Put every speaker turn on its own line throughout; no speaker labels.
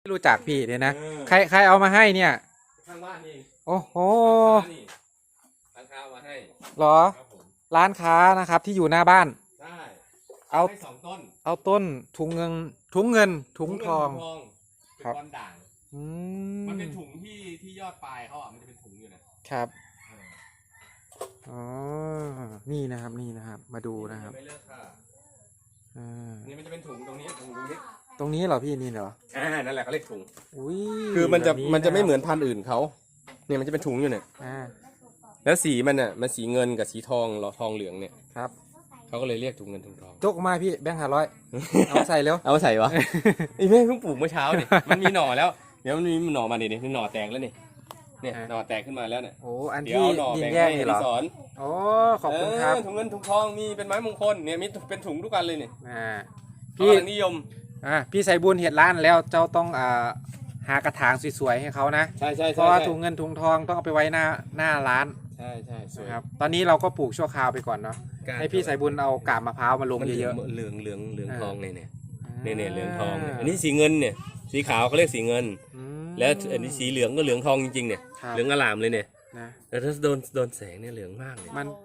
รู้จักพี่เนี่ยนะใครเอามาให้เนี่ย
ข้างบ้านนี่
โอ้โห
ร้านค้ามาให้
เหรอร้านค้านะครับที่อยู่หน้าบ้าน
ใช่
เอา
ให้2 ต้น
เอาต้นถุงเงินถุงทอง
ครับเป็นก้อนด่างมันเป็นถุงที่ยอดปลายเขาอ่ะมันจะเป็นถุงอยู่นะครับ
อ๋อนี่นะครับมาดูนะครับ
ไม่เลิกค่ะนี่มันจะเป็นถุงตรงนี้
เหรอพี่นี่เหรอ
นั่นแหละเขาเรียกถุง
อุ้ย
คือมันจะไม่เหมือนพันธุ์อื่นเขาเนี่ยมันจะเป็นถุงอยู่เนี่ยแล้วสีมันอ่ะมันสีเงินกับสีทองทองเหลืองเนี่ย
ครับ
เขาก็เลยเรียกถุงเงินถุงทอง
จกมาพี่แบงค์500เอาใส่แล้ว
เอาใส่วะไอ้แม่เพิ่งปลูกเมื่อเช้าเนี่ยมันมีหน่อแล้วเดี๋ยวมันมีหน่อมาดินี่หน่อแตกแล้วนี่เนี่ยหน่อแตกขึ้นมาแล้วเนี่ย
โอ้อันที่ดินแยกนี่เหรอโอ้ขอบคุณครับ
ถุงเงินถุงทองมีเป็นไม้มงคลเนี่ยมีเป็นถุงทุกอันเลยเนี่ย
พี่
นิยม
พี่ใส่บุญเห็ดร้านแล้วเจ้าต้องหากระถางสวยๆให้เขานะ
ใช่
เพราะว่าถุงเงินถุงทองต้องเอาไปไว้หน้าร้าน
ใช่สวย
ครับตอนนี้เราก็ปลูกชั่วคราวไปก่อนเนาะให้พี่ใส่บุญเอากาบมะพร้าวมาลงเยอะ
ๆเหลืองทองเนี่ยเหลืองทองอันนี้สีเงินเนี่ยสีขาวเขาเรียกสีเงินแล้วอันนี้สีเหลืองก็เหลืองทองจริงๆเนี่ยเหลืองอลามเลยเนี่ยแต่ถ้าโดนแสงเนี่ยเหลืองมากเลย
มัน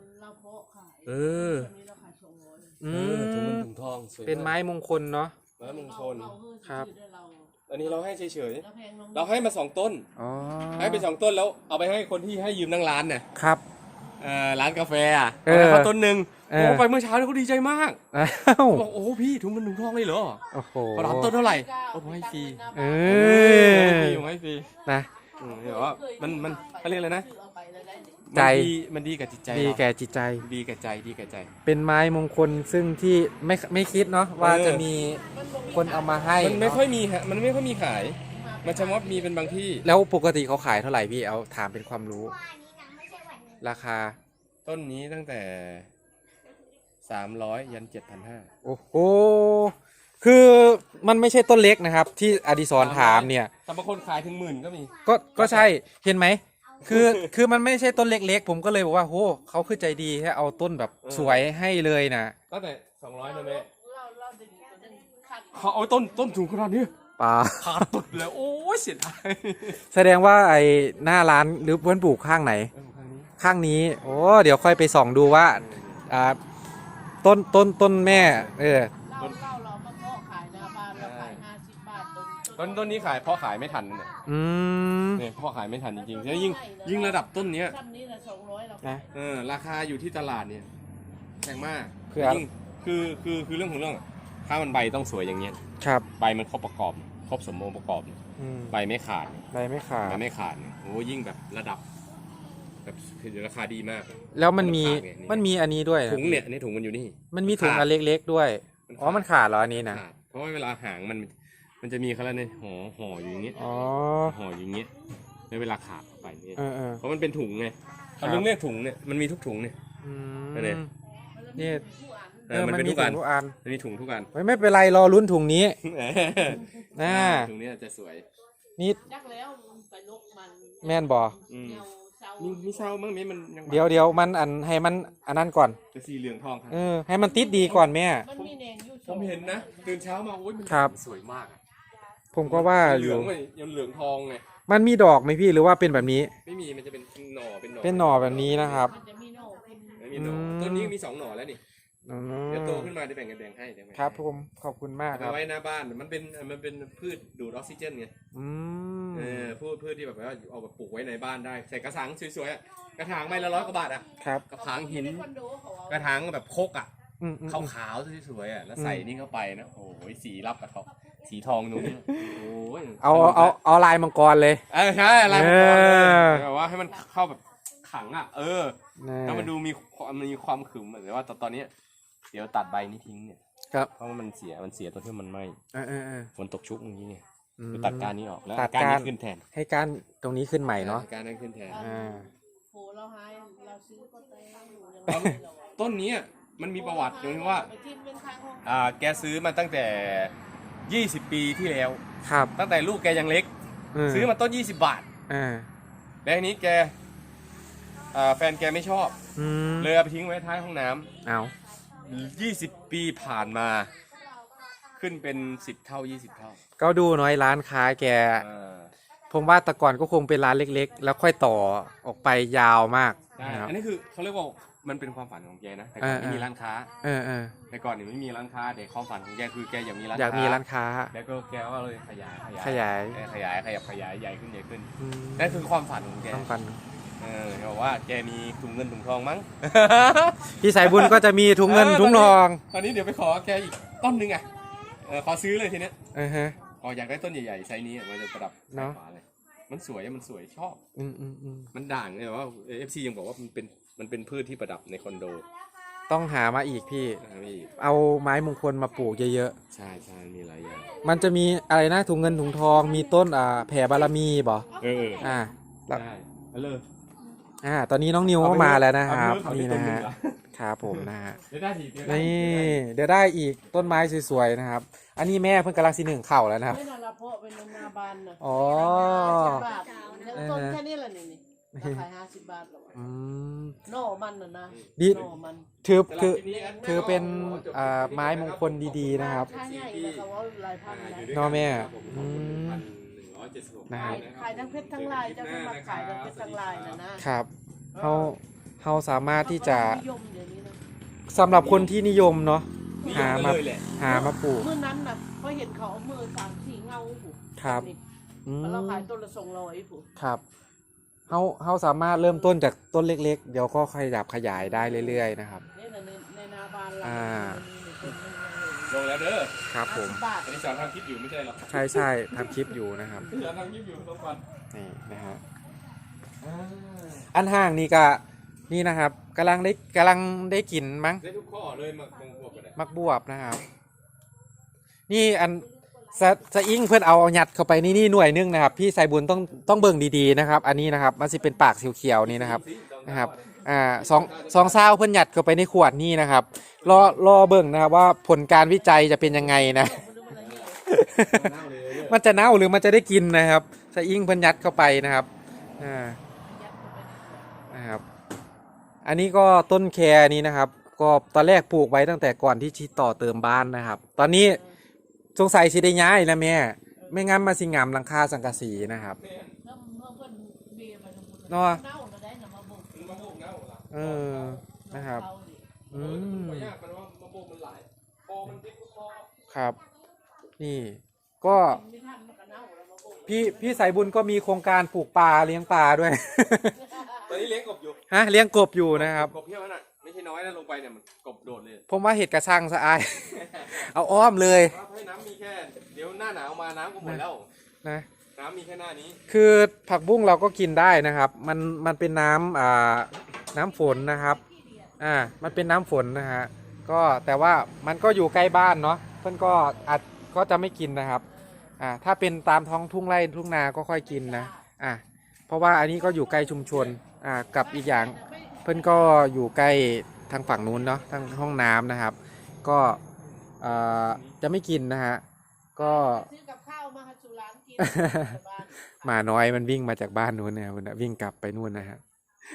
ถุงเงินถุงทอง
เป็นไม้มงคลเนาะ
ไม้มงคล
ครับ
อันนี้เราให้เฉยๆเราให้มา2 ต้นให้ไป2 ต้นแล้วเอาไปให้คนที่ให้ยืมนั่งร้านเนี่ย
ครับ
ร้านกาแฟเขาต้นหนึ่งโอ้ไปเมื่อเช้าเขาดีใจมากบอกโอ้พี่ถุงเงินถุงทองเลยเหรอ
โอ้โห
เขารับต้นเท่าไหร่ผมให้ฟรีผมให้ฟรี
นะ
เดี๋ยวว่ามันเขาเรียกอะไรนะ
ใจ
มันดีกับจิตใจ
ดีแก่จิตใจ
ดีกับใจ
เป็นไม้มงคลซึ่งที่ไม่คิดเนาะว่าจะมีคนเอามาให้
มันไม่ค่อยมีฮะมันไม่ค่อยมีขายมันเฉพาะมีเป็นบางที่
แล้วปกติเขาขายเท่าไหร่พี่เอาถามเป็นความรู้ราคา
ต้นนี้ตั้งแต่300ยัน7,500
โอ้โหคือมันไม่ใช่ต้นเล็กนะครับที่อดิศรถามเนี่ย
แต่บางคนขายถึง10,000ก็มี
ก็ใช่เห็นไหมคือมันไม่ใช่ต้นเล็กๆผมก็เลยบอกว่าโหเขาคือใจดีแค่เอาต้นแบบสวยให้เลยนะ
ตั้งแต่200นะแม่เขาเอาต้นสูงขนาดนี้
ป่า
ขาดตุดเลยโอ้ยเสียดาย
แสดงว่าไอ้หน้าร้านหรือเพื่อนปลูกข้างไหนข้างนี้โอ้เดี๋ยวค่อยไปส่องดูว่าต้นแม่
ต้นนี้ขายเพราะขายไม่ทันเนี่ยเพราะขายไม่ทันจริงๆแล้วยิ่งระดับต้นเนี้ย
นะ
ราคาอยู่ที่ตลาดเนี่ยแพงมากคือเรื่องของเรื่องถ้ามันใบต้องสวยอย่างเงี้ย
ครับ
ใบมันครบประกอบครบสมบูรณ์ประกอบใบไม่ขาดโอ้ยิ่งแบบระดับแบบราคาดีมาก
แล้วมันมีอันนี้ด้วย
ถุงเนี่ยถุงมันอยู่นี่
มันมีถุงอันเล็กๆด้วยอ๋อมันขาดเหรออันนี้นะ
เพราะว่าเวลาหางมันจะมีเขาแล้วเนี่ยห่ออยู่อย่างเงี้ยห่ออย่างเงี้ยในเวลาขาดไปเนี่ยเพราะมันเป็นถุงไงเขาเรียกถุงเนี่ยมันมีทุกถุงเนี่ย
นี่
มันเป็นทุกอันมันมีถุงทุกอัน
ไม่เป็นไรรอลุ้นถุงนี้
ถุงนี้จะสวย
นี่แม่นบ่
มีเศร้ามั้งไหมมัน
เดี๋ยวมันให้มันอันนั้นก่อน
จะสีเหลืองทองครับ
ให้มันติดดีก่อนแม่
ผมเห็นนะตื่นเช้ามาโอ้ยมันสวยมาก
ผมก็ว่า
เหลืองยังเหลืองทองไง
มันมีดอกไหมพี่หรือว่าเป็นแบบนี้
ไม่มีมันจะเป็นหน่อ
แบบนี้นะครับ
ต้นนี้มี2 หน่อแล้วนี่เดี๋ยวโตขึ้นมาจะแบ่งให้
ครับผมขอบคุณมากครับ
เอาไว้หน้าบ้านมันเป็นพืชดูดออกซิเจนไงพืชที่แบบว่าเอาแบบปลูกไว้ในบ้านได้ใส่กระถางสวยๆกระถางใบละ100 กว่าบาทอ่ะกระถางหินกระถางแบบโคกอ่ะขาวๆสวยๆอ่ะแล้วใส่นี่เข้าไปนะโอ้ยสีรับกับทองสีทองตรงนี้โอ้ย
เอาลายมังกรเลย
ใช่ลายมังกรแบบว่าให้มันเข้าแบบขังอ่ะแล้วมันดูมีความขึมแต่ว่าตอนนี้เดี๋ยวตัดใบนี้ทิ้งเนี่ยเพราะว่ามันเสียตัวที่มันไหม้ฝนตกชุกอย่างนี้เนี่ยตัดการนี้ออกแล้วการนี้ขึ้นแทน
ให้การตรงนี้ขึ้นใหม่เนาะ
การนั้นขึ้นแทนต้นนี้มันมีประวัติตรงที่ว่าแกซื้อมาตั้งแต่20 ปีที่แล้วตั้งแต่ลูกแกยังเล็กซื้อมาต้น20 บาทแล้วทีนี้แกแฟนแกไม่ชอบเลยเอาไปทิ้งไว้ท้ายห้องน้ำ20 ปีผ่านมาขึ้นเป็น10 เท่า 20 เท่า
ก็ดูน้อยร้านค้าแก
อ่า
ผมว่าแต่ก่อนก็คงเป็นร้านเล็กๆ แล้วค่อยต่อออกไปยาวมาก
ใช่
นะครับ
อันนี้คือเขาเรียกว่ามันเป็นความฝันของแกนะแต่ก่อนไม่มีร้านค้า
เออ
แต่ก่อนเนี่ยไม่มีร้านค้าแต่ความฝันของแกคือแกอยากมีร้าน
อยากมีร้านค้า
แล้วก็แกก็เลยขยาย
ขยาย
ขยายใหญ่ขึ้นใหญ่ขึ้น
อืม
นั่นคือความฝันของแก
ต้องฟัน
แกบอกว่าแกมีถุงเงินถุงทองมั้ง
พี่สายบุญก็จะมีถุงเงินถุงทอง
ตอนนี้เดี๋ยวไปขอแกอีกต้นหนึงอ่ะขอซื้อเลยทีเนี้ย
ฮะ
อยากได้ต้นใหญ่ๆไซส์นี้มันจะประดับ
เนอะ
ฝาเลยมันสวยชอบ
อืม
มันด่างเลยว่า FC ยังบอกว่ามันเป็นพืชที่ประดับในคอนโด
ต้องหามาอีกพี่
นะครับพี่
เอาไม้มงคลมาปลูกเยอะ
ใช่มีหลายอย่าง
ๆ มันจะมีอะไรนะถุงเงินถุงทองมีต้นแผ่บารมีบ่ แล้ว
ได้เอาเลย
ตอนนี้น้องนิวก็มาแล้วนะครับ
เอา
นี่
ไป
นะ
เลย
ฮะ
เอาไปเลย
ครับผมนะฮะ
เดี๋ยวได้ทีเดี๋ยวได้
นี่
ที
เดี๋ยวได้อีกต้นไม้สวยๆนะครับ อันนี้แม่เพิ่งกำลังสิหนึ่งเข่าแล้วนะครับ
ไม่นอนละเพาะเป็นนาบานนะ
อ๋อ
50 บาทแล้วต้นแค่นี้แหละนี่ราคา50 บาทหรอ
อืม
หน่อมันนะ
ดี
หน่อมัน
ถือเป็นไม้มงคลดีๆนะครับ
ค่าใหญ่เลยเขาว่าหลายพันนะ
เนาะแม่
1,176
นะครับ
ขายทั้งเพชรทั้งลายเจ้าก็มาขายทั้งเพชรทั้งลายนะครับ
เขาสามารถที่จะ
นิยมเดี๋ยวนี้นะ
สำหรับคนที่นิยมเนาะ
นี่
หา
ยัง
มา
เลยแหละ
หามาปลูก
เมื่อนั้นน่ะพอเห็นเขาเอามือ3-4เงาผูก
ครับ
นี่
อืม
แล้วเราขายต้นละ200ผูก
ครับเขาสามารถเริ่มต้นจากต้นเล็กๆ เดี๋ยวก็ขยับขยายได้เรื่อยๆนะครับ
นี่นะในนาบานเรา
อ่า
ลงแล้วเด้อ
ครับผม
50 บาท
อันนี้สอนทำคลิปอยู่ไม่ใช่หรอ
ใช่ทำคลิปอยู่นะครับ
สอนทำคลิปอยู่ทุกวัน
นี่นะฮะอันห่างนี่ก็นี่นะครับกำลังได้กลิ่นมั้ง
ได้ทุกข้อเลยมาคงพวกกันเลย
มักบวบนะครับ นี่อันสะอิงเพื่อนเอาหยัดเข้าไปนี่หน่วยนึงนะครับ พี่สายบุญต้องเบิ่งดีๆนะครับ อันนี้นะครับมันจะเป็นปากเขียวๆนี่นะครับสองซาวเพื่อนหยัดเข้าไปในขวดนี่นะครับรอเบิ่งนะครับว่าผลการวิจัยจะเป็นยังไงนะ มันจะเน่าหรือมันจะได้กินนะครับสะอิงเพื่อนยัดเข้าไปนะครับนะครับ อันนี้ก็ต้นแคนี้นะครับ ก็ตอนแรกปลูกไว้ตั้งแต่ก่อนที่ชิดต่อเติมบ้านนะครับ ตอนนี้สงสัยสิได้ย้ายแล้วแม่ไม่งั้นมาสิงามหลังคาสังกะสีนะครับ
แล้วเมื่อเพิ่นเบียร์มาทั้งหมด
เนาะ
เน่ามาได้นะมาบุก
มะม่วงเน่าเหรอ
เออนะครับ อืม
มันยากมันว่ามะม่วงมันหลายพอมันติดคอ
ครับ นี่ก็
ไม่ทันมันก็เน่าแล้วมาบุก
พี่สายบุญก็มีโครงการปลูกปลาเลี้ยงปลาด้วย
ตอนนี้เลี้ยงกบอยู่
ฮะเลี้ยงกบอยู่นะครับ
กบเพี้ยวน่ะไม่ใช่น้อยนะลงไปเนี่ยมันกบโดดเลย
ผมว่าเห็ดกระชังสะอาย เอาอ้อมเลย
ว่าให้น้ำมีแค่เดี๋ยวหน้าหนาวมาน้ำก็หมดแล้ว
นะ
น้ำมีแค่หน้านี้
คือผักบุ้งเราก็กินได้นะครับ มันเป็นน้ำฝนนะครับ มันเป็นน้ำฝนนะฮะ ก็แต่ว่ามันก็อยู่ใกล้บ้านเนาะ เพื่อนก็ก็จะไม่กินนะครับ ถ้าเป็นตามท้องทุ่งไร่ทุ่งนาก็ค่อยกินนะ เพราะว่าอันนี้ก็อยู่ใกล้ชุมชน กับอีกอย่างเพื่อนก็อยู่ใกล้ทางฝั่งนู้นเนาะ ทางห้องน้ำนะครับ ก็จะไม่กินนะฮะ ก็
ซื้อกับข้าวมาให้สุร้านกินบ้าน
หมาน้อยมันวิ่งมาจากบ้านนู้นเนี่ยมันวิ่งกลับไปนู่นนะฮะ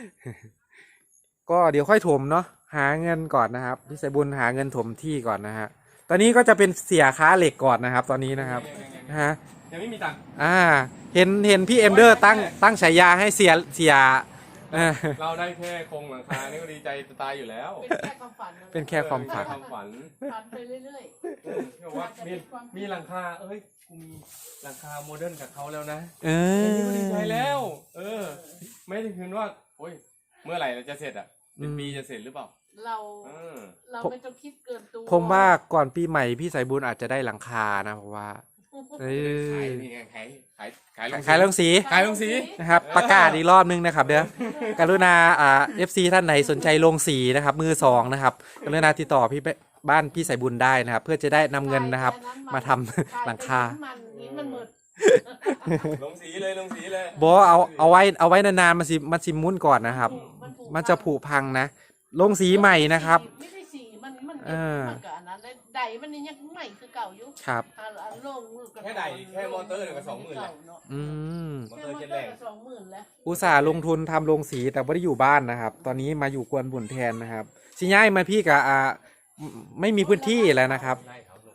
ก็เดี๋ยวค่อยถมเนาะหาเงินก่อนนะครับพี่สายบุญหาเงินถมที่ก่อนนะฮะตอนนี้ก็จะเป็นเสียค้าเหล็กก่อนนะครับ ตอนนี้นะครับนะฮะ
ยังไม่มีตังค์
เห็นพี่เอ็มเดอร์ตั้งฉายาให้เสีย
เราได้แค่โครงหลังคานี่ก็ดีใจจะตายอยู่แล้ว
เป็นแค่ความฝันนะ
เป็นแค่ความฝัน
ความฝัน
ฝันไปเรื่อย
ที่บอกว่ามีหลังคาเอ้ยกูมีหลังคาโมเดิร์นกับเขาแล้วนะ
เอ
นี่ก็ดีใจ
อ
แล้ว ไม่ได้คืนว่าโอ้ยเมื่อไหร่เราจะเสร็จอ่ะเป็นปีจะเสร็จหรือเปล่า
ๆเราไม่ต้องคิดเกินตัว
ผมว่าก่อนปีใหม่พี่สายบุญอาจจะได้หลังคานะเพราะว่าเอ
ขาย
อ
นี่ไง
ขายลงสี
ขายลงสี
นะครับประกาศอีกรอบนึงนะครับเดี๋ยวกรุณาFC ท่านไหนสนใจลงสีนะครับมือสองนะครับกรุณาติดต่อพี่บ้านพี่สายบุญได้นะครับ เพื่อจะได้นำเงินนะครับ มาทำหลังคา
มันหมด
ลงสีเลยลงสีเลย
บอกเอาไว้นานๆมันสิมุนก่อนนะครับ มันจะผุพังนะลงสีใหม่นะครับ
ไม่ได้สีมันมัน
เออ
มันกับอันนั้นใดมันนี่ยังใหม่คือเก่าอยู่
ครับ
ลง
แค่ใดแค่มอเตอร์เนี่ยก็20,000แหละ
อืม
มอ
แค่
เตอร์
มอ
เจ็ด
เตอ
แร
ร์
ง
ก็20,000แล้ว
อุตส่าห์ลงทุนทำโรงสีแต่ไม่ได้อยู่บ้านนะครับ ตอนนี้มาอยู่กวนบุญแทนนะครับสิย้ายมาพี่กับไม่มีพื้นที่แล้วนะครับ
ไล่เขาลง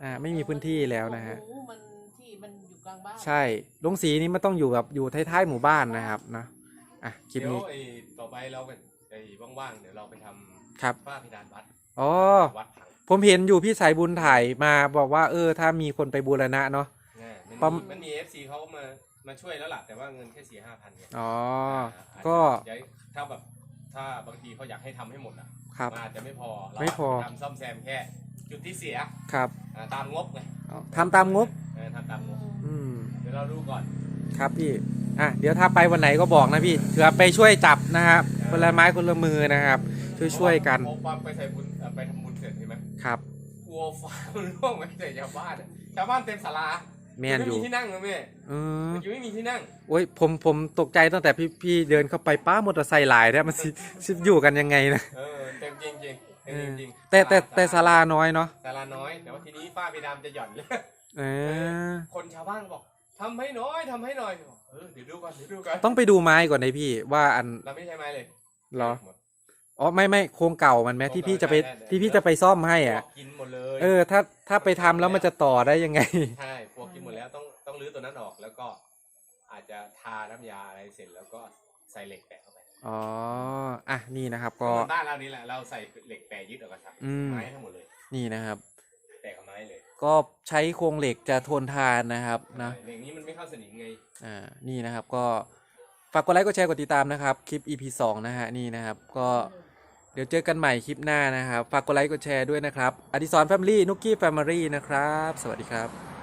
ไม่มีพื้นที่แล้วนะฮะ
โอ้โหมันที่มันอยู่กลางบ้าน
ใช่ลงสีนี้มันต้องอยู่แบบอยู่ท้ายๆหมู่บ้านนะครับนะคลิป
เดี๋ยว
นี้
ไอ้ต่อไปเราไปไอ้ว่างๆเดี๋ยวเราไปทำ
ครับ
ฝ้าเพดานวัด
อ๋อ
วัดผัง
ผมเห็นอยู่พี่สายบุญถ่ายมาบอกว่าถ้ามีคนไปบูรณะเนาะ ปั๊ม
มันมี FC เขามาช่วยแล้วล่ะแต่ว่าเงินแค่4-5 พันเนี่ย
อ๋อ
อาจจะ
ก็
เดี๋ยวถ้าบางทีเขาอยากให้ทำให้หมดอ่ะ
ครับ
มันอาจจะไม่พอเรา
ไม่พอ
ทำซ่อมแซมแค่จุดที่เสีย
ครับ
ตามงบไง
ทำตามงบ
ทำตามงบ
อืม
เดี๋ยวเราดูก่อน
ครับพี่เดี๋ยวถ้าไปวันไหนก็บอกนะพี่เผื่อไปช่วยจับนะครับคนละไม้คนละมือนะครับ ช่วยกัน
เพราะว่าไปใส่บุญไปทำบุญเสร็จใช่ไหม
ครับ
กลัวฟ้ามันร่วงไปใส่ชาวบ้านอะชาวบ้านเต็มศาลา
แม่นอยู่
ไม่มีที่นั่งเลยแม่
ม
ยังไม่มีที่นั่ง
โอ้ยผมตกใจตั้งแต่พี่เดินเข้าไปป้ามอเตอร์ไซค์หลายเนี่ยมันสิอยู่กันยังไงนะ
เต็มจริงจริงเต็มจริง
แต่ศาลาน้อยเนาะ
ศาลาน้อยแต่ว่าทีนี้ฝ้าเพดานจะหย่อนเลย
เออ
คนชาวบ้านบอกทำให้หน้อยทำให้หน่อยบอกเดี๋ยวดูก่อนเดี๋ยวดูก่อน
ต้องไปดูไม้ก่อนนะพี่ว่าอัน
เราไม่ใช้ไม้เลย
เหรอ
หมด
อ๋อไม่โครงเก่ามันไหมที่พี่จะไป
ได้
ที่พี่จะไปซ่อมให้
พว
อ่ะ
กกินหมดเลย
ถ้าไปทำแล้วมันจะต่อได้ยังไง
ใช่พวกกินหมดแล้วต้องรื้อตัวนั้นออกแล้วก็อาจจะทาน้ำยาอะไรเสร็จแล้วก็ใส่เหล็กแปะเข้าไป
อ๋อนี่นะครับก็
เหมือนบ้านเรานี่แหละเราใส่เหล็กแปะยึดออกมาครับ
อืม
ไม้ทั้งหมดเลย
นี่นะครับ
แปะกับไม้เลย
ก็ใช้โครงเหล็กจะทนทานนะครับนะ
เหล็กนี้มันไม่เข้าสนิมไง
นี่นะครับก็ฝากกดไลค์กดแชร์กดติดตามนะครับคลิป EP 2นะฮะนี่นะครับก็เดี๋ยวเจอกันใหม่คลิปหน้านะครับฝากกดไลค์กดแชร์ด้วยนะครับอดิศรแฟมิลี่นุกกี้แฟมิลี่นะครับสวัสดีครับ